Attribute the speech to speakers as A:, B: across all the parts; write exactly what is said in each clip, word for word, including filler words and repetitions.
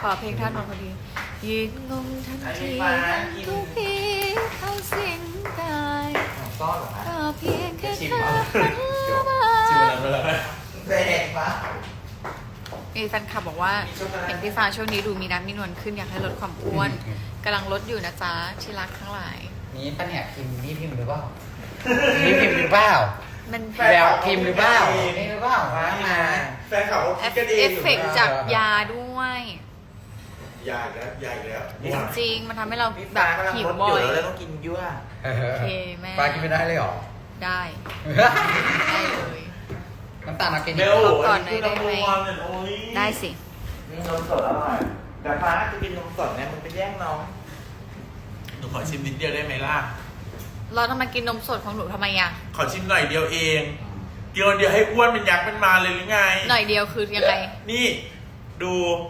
A: อเพลงท่านนนท์พอดียืนงงทันทีทุกทีเข้าสิงกาย
B: ซ่อนเหรอฮะ
A: ก็เพียงแค่เธอ
C: ชิมแล้วไปแล้ว
B: แดงปะ
A: มีแฟนคลับบอกว่าเห็นพี่ฟ้าช่วงนี้ดูมีน้ำมีนวลขึ้นอยากให้ลดความอ้วนกำลังลดอยู่นะจ๊ะที่รักทั้งหลาย
D: นี่ปะเนี่ยพิมพ์นี่พิมพ์หรือเปล่านี่พิมพ์หรือเปล่า
A: มัน
D: แววพิมพ์หรือเปล่านี่หรือเปล่าว่ามา
C: แฟนเขา
A: เอ
C: คิด
A: ฟ
C: กันเอง
A: เอ
C: อ
A: ฟ
C: ยู่
A: เฟกต์จากยาด้วย
C: ใหญ่แล้วใหญ่แล้ว
A: จริงมันทำให้เรา
B: พี่
A: แบ
B: ฟ้า
A: บ
B: กำลัง
A: หิว
B: ลด
A: บ่
B: อ
A: อยู่ ย
B: แล้วต้องกินยั่ว
A: โอเคแม่
D: ปลากินไม่ได้เลยเหรอ
A: ได้ได้เลย
D: น้ำตาลเอากิน
C: เบล
A: ก่อนหน่อยได้ไหม
C: โอ้ย
A: ได้สิ
B: นี่นมสดอร่อยแต่ฟ้าจะกินนมสดเนี่ยมึงไปแย่งน้อง
C: หนูขอชิมนิดเดียวได้ไหมล่ะ
A: เราทำไมกินนมสดของหนูทำไมอ่ะ
C: ขอชิมหน่อยเดียวเองเดียวเดียวให้อ้วนเป็นยักษ์เป็นมาเลยหรือไง
A: หน่อยเดียวคือยังไง
C: นี่ดู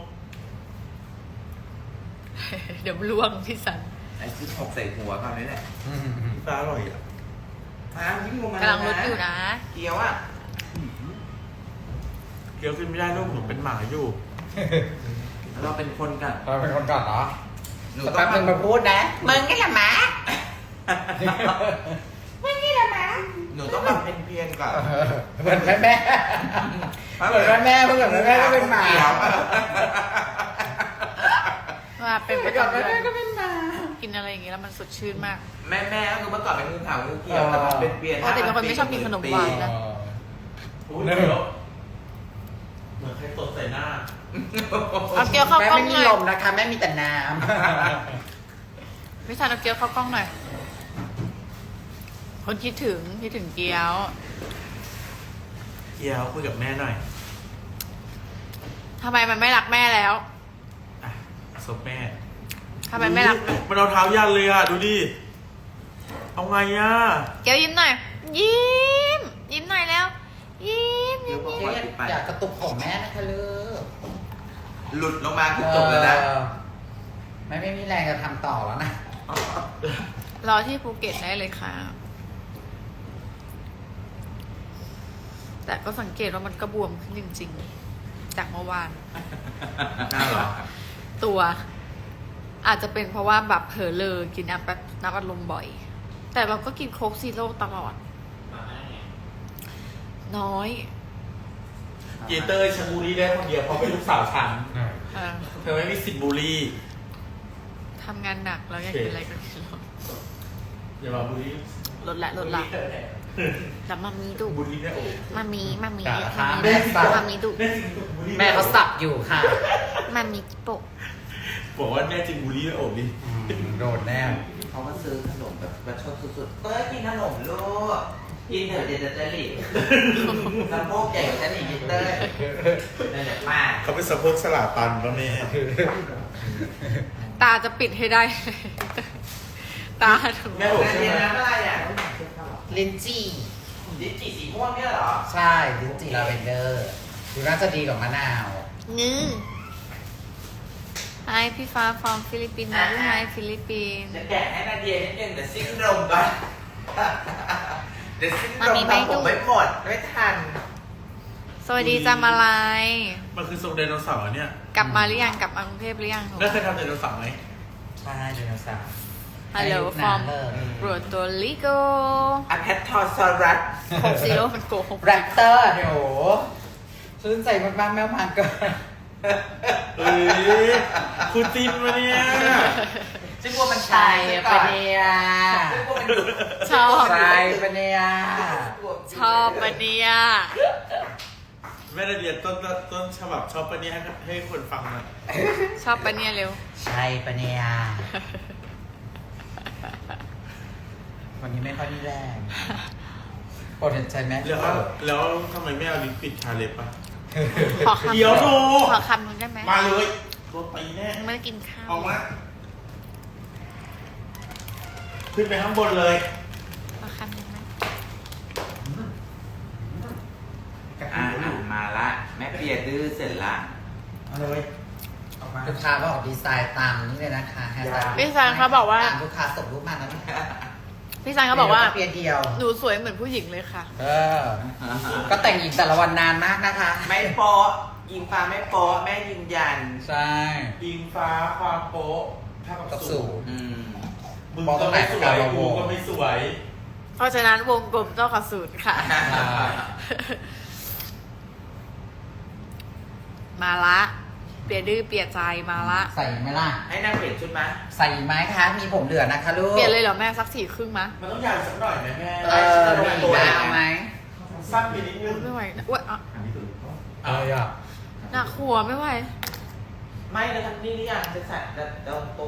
A: เดี๋ยวล่วงพี่สัน
B: ไอ้ที่หกใส่หัวคราวนี้แหละ
C: ปลาอร่อยอ่ะ
B: ฟ้ายิ่งลงมาก
A: ำลังลดอยู่นะ
B: เกี๊ยวอ่ะ
C: เกี๊ยวขึ้นไม่ได้ลูกหนูเป็นหมาอยู่
B: เราเป็นคนกัน
D: เราเป็นคนก่อนเหรอ
B: หนู
D: สัก
B: ต้อ
D: แป๊
B: ง
D: บนึงมาพูดนะ
B: มึงนี่แหละหมามึงนี่แหละหมาหนูต้องมาเป็นเพียนก่อน
D: เหมือนแม่แม่เหมือนแม่แม่เมื่อก่อนแม่แม่ก็เป็นหมา
A: มาเป็นประ
D: เมื่อก่อน
A: จำ
D: แม่
A: เดือ
D: แม่
A: น
D: ก็เป็นหมา
A: กินอะไรอย่างงี้แล้วมันสดชื่นมาก
B: แม่แม่ก็คือเมื่อก่อนเป็นงูขาวงูเขียวแต่มันเป็นเปลี่ยน
A: ปกติเป็นคนไม่ชอบกินขนมหวานนะ
C: อุ้ยเดี๋ยวเหมือนใครตดใส่หน้า
A: เอาเกี๊ยวเข้า
D: แม่
A: กล้อง
D: ไม่มี
A: หน่อย
D: ลมนะคะแม่มีแต่น้
A: พี่สันเอาเกี๊ยวเข้ากล้องหน่อยคนคิดถึงคิดถึงเกี๊ยว
C: เกี๊ยวคุยกับแม่หน่อย
A: ทำไมมันไม่รักแม่แล้ว
C: อ่ะซบแม่
A: ทำไมไม่รัก
C: อุ๊ยมันเอาเท้ายันเลยอ่ะ ดูดิ เอาไงอ่ะ
A: เกี๊ยวยิ้มหน่อย ยิ้ม ยิ้มหน่อยแล้ว ยิ้มยิ้ม
D: ำ
A: ยิ้ม
D: เจ๊อยากกระตุกผมแม่นะคะลูก
B: หลุดลงมาคือจบแล้วนะ
D: เออแม่ไม่มีแรงจะทำต่อแล้วนะ
A: รอที่ภูเก็ตได้เลยค่ะ แต่ก็สังเกตว่ามันก็บวมขึ้นจริงๆ จากเมื่อวาน
C: น่าเหรอ
A: ตัว อาจจะเป็นเพราะว่าแบบเผลอเลอกินน้ำแบบน้ำอัดลมบ่อย แต่เราก็กินโค้กซีโร่ตลอด น้อย
C: เยเตอร์ฉันบูลลี่ได้คนเดียวเพราะเป็นลูกสาวฉัน
A: เออ
C: เธอไม่มีสิทธิ์บูลลี่
A: ทำงานหนักแล้วอยากกินอะไรก็กินลด
C: อย่ามาบูลลี่
A: ลดละลดละแต่มามีดุ
C: บูลลี่ได้โอ้
A: มามีมามี
D: กะ
A: มา
D: แม่
A: มี
D: สับ
A: มามีดุ
C: แน่จริงบูลลี่
D: แม่เขาสับอยู่ค่ะ
A: มามีโปะ
C: บอกว่าแน่จริงบูลลี่ได้โอ้ดิ
D: โดนแน่
B: เขามาซื้อขนมแบบประชดสุดๆเต้ยกินขนมลูกกินเถอะเดี๋ยวจะจะหลีกสะโพกใหญ่กว่าฉันอีกเต้ยนั่นแหละมาก
C: เขาเป็นสะโพกสลาตันป่ะแม่
A: ตาจะปิดให้ได้ ตาถึง
C: แม่บอก
B: นั่น
C: ใช่
B: เย็น
C: ไหม
B: น้ำอะไรอ่ะ
D: ลินจี้
B: ลิ้นจี่สีม่วงเนี่ยเหรอ
D: ใช่ลินจี้ลาเวนเดอร์ดูน่าจะดีกว่ามะนาว
A: งื้อไอพี่ฟ้าฟอร์มฟิลิปปินส์นะลูกไอฟิลิปปินส์
B: จะแกะให้นาเดียนิดนึงเดี๋ยวสิ้นลมก่อนเดี๋ยวสิ้นลมทำผมไม่หมดไม่ทัน
A: สวัสดีจ้ามาลาย
C: มันคือทรงไดโนเสาร์เนี่ย
A: กลับมาหรือยังกลับมากรุงเทพหรือยัง
C: แล้วเคยทำไดโนเสาร์ไหม
D: ใช่ไดโนเสาร์
A: ฮัลโหลฟอร์ม
D: เลิศ
A: โปรโตลิโก
B: อะแพททอซอรัส
A: โคกซีโร่มันโกหก
D: แรปเตอร์เดี๋ยวชื่นใจมากๆแมวมาเกิน
C: เอ้ยคุณจินมาเนี่ย
B: ซึ่งว่ามัน
D: ใช่ปะเนี่ย
B: ซึ่งว่ามัน
A: ชอบ
D: ใช่ปะเนี่ย
A: ชอบปะเนี่ย
C: แม่นาเดียต้นต้นฉบับชอบปะเนี่ยให้ให้คนฟังหน่อย
A: ชอบปะเนี่ยเร็ว
D: ใช่ปะเนี่ยวันนี้ไม่ค่อยมีแรงปวดเห็นใจไหม
C: แล้วแล้วทำไมไม่เอาลิปปิดทาเล็บอ่ะ
A: ขอคำ
C: เดี๋ยวดู
A: ขอคำนึงได้ไหม
C: มาเลยรถไปแน่
A: ไม่ได้กินข้าว
C: ออกมาขึ้นไปข้างบนเลย
A: ขอคำนึงไหม
B: อ่ามาละ แม่เปียดื้อเสร็จละ
C: เอาเลยออกมา
D: ลูกค้าบอกดีไซน์ตามนี้เลยนะคะแฮชแท็ก
A: พี่ซันเขาบอกว่า
D: ตามลูกค้าส่งรูปมาแล้วนะ
A: พี่ซันเขาบอกว่า
D: เพียงเดียว
A: หนูสวยเหมือนผู้หญิงเลยค่ะ
D: เออ ก็แต่งหญิงแต่ละวันนานมากนะคะ
B: ไม่โปะยิงฟ้าไม่โป๊ะแม่ยืนยัน
D: ใช่
C: อิงฟ้าความโป๊ะเท่ากับ
D: กับ
C: สู
D: สู
C: ง
D: ง
B: อืม
C: มึง
D: มองต
C: ก็
D: รงไหน
C: ไม่สวย
D: กับเรา
C: กูก็ไม่สวย
A: เพราะฉะนั้นวงกลมต้องกับศูนย์ค่ะ มาละ เปลี่ยนดื้อเปลี่ยนใจมาละ
D: ใส่ไหมล่ะ
B: ให้นางเปลี่ยนชุดไหม
D: ใส่ไหมคะ มีผมเหลือนะคะลูก
A: เปลี่ยนเลยเหรอแม่สักสี่ครึ่งมะ
C: มันต้องยาวสักหน่อยนะแม่
D: เออมียาวไหม
C: สั้นไปนิดนึง
A: ไม่ไหวนะอ้วนอ่ะ
D: เอาอ่ะ
A: หนักหัวไม่ไหว
B: ไม่เลยทันนี่หรือยังจะใส่จะตรงตัว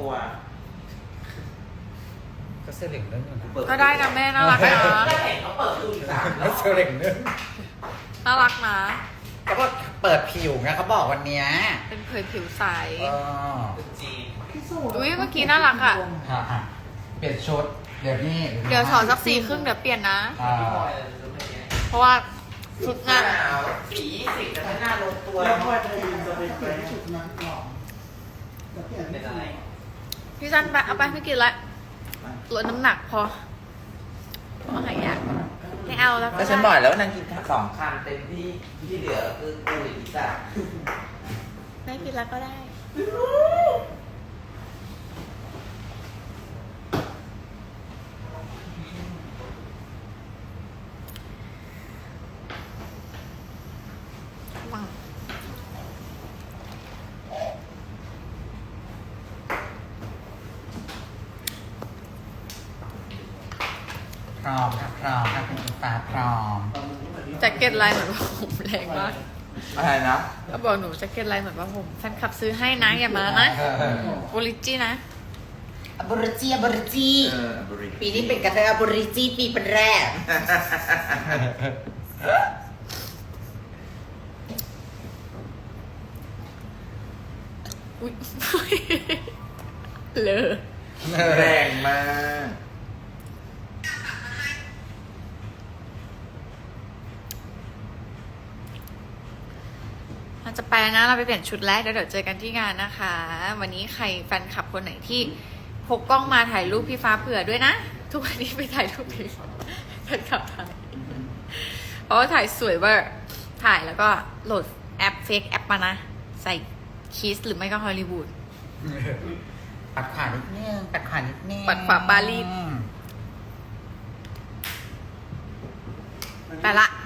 D: ก็เสื้อเหลืองเรื่องนึง
A: ก็ได้นะแม่น่ารักนะ
B: ก็เห็นเขาเปิดดูอีกสามร
D: ก็
B: อบ
D: เสื้อเหลืองเรื่อง
A: น่ารักนะ
D: เขาบอกเปิดผิวไงเขาบอกวันเนี้ย
A: เป็นเผยผิวใส
D: เออ
B: จีน
A: อุ้ยเมื่อกี้น่ารักอ่ะ
D: ค่ะอ่ะเปลี่ยนชุด เดี๋ยวนี้
A: เดี๋ยวถอดสักสี่ครึ่งเดี๋ยวเปลี่ยนนะ
D: อ่า
A: เพราะว่าชุด
B: หน้าง
A: าน
B: หนาวสีสิบแต่ถ้าหน้าลงตัว
C: แล้วพ่อจะยืนจะเป็นไป
B: เป็นอะไร
A: พี่จันไปเอาไปไม่กินละลดน้ำหนักพอพอหายอยากไม่เอาแล้ว
B: ก็ฉันบอกแล้วว่านางกินสองคำเต็มที่ที่เหลือคือกูหรืออีสาน
A: ไม่กินแล้วก็ได้ วัง
D: พร้อมค่ะพร้อมค่ะคุณอิงฟ้าพร้อม
A: แจ็คเก็ตลายเหมือนว่าผมแรงมาก
B: อะไรนะ
A: ก็บอกหนูแจ็คเก็ตลายเหมือนว่าผมแฟนคลับซื้อให้นะอย่ามานะโอริจินะ
D: อบริจีอบริจี
B: เออบริ
D: ปีนี้เป็นกระเทยอบริจีปีเป็นแรก
A: อุ้ย เลอ
B: แรงมาก
A: เราจะไปแล้วนะเราไปเปลี่ยนชุดแรกแล้วเดี๋ยวเจอกันที่งานนะคะ วันนี้ใครแฟนคลับคนไหนที่พกกล้องมาถ่ายรูปพี่ฟ้าเผื่อด้วยนะ ทุกวันนี้ไปถ่ายรูปพี่ฟ้าแฟนคลับถ่ายเพราะว่าถ่ายสวยเวอร์ถ่ายแล้วก็โหลดแอปเฟกแอปมานะ ใส่คีสหรือไม่ก็ฮอลลีวูด
D: ปัดขวานิดนึงปัดขวานิดนึง
A: ปัดขวาปารีส ไปละ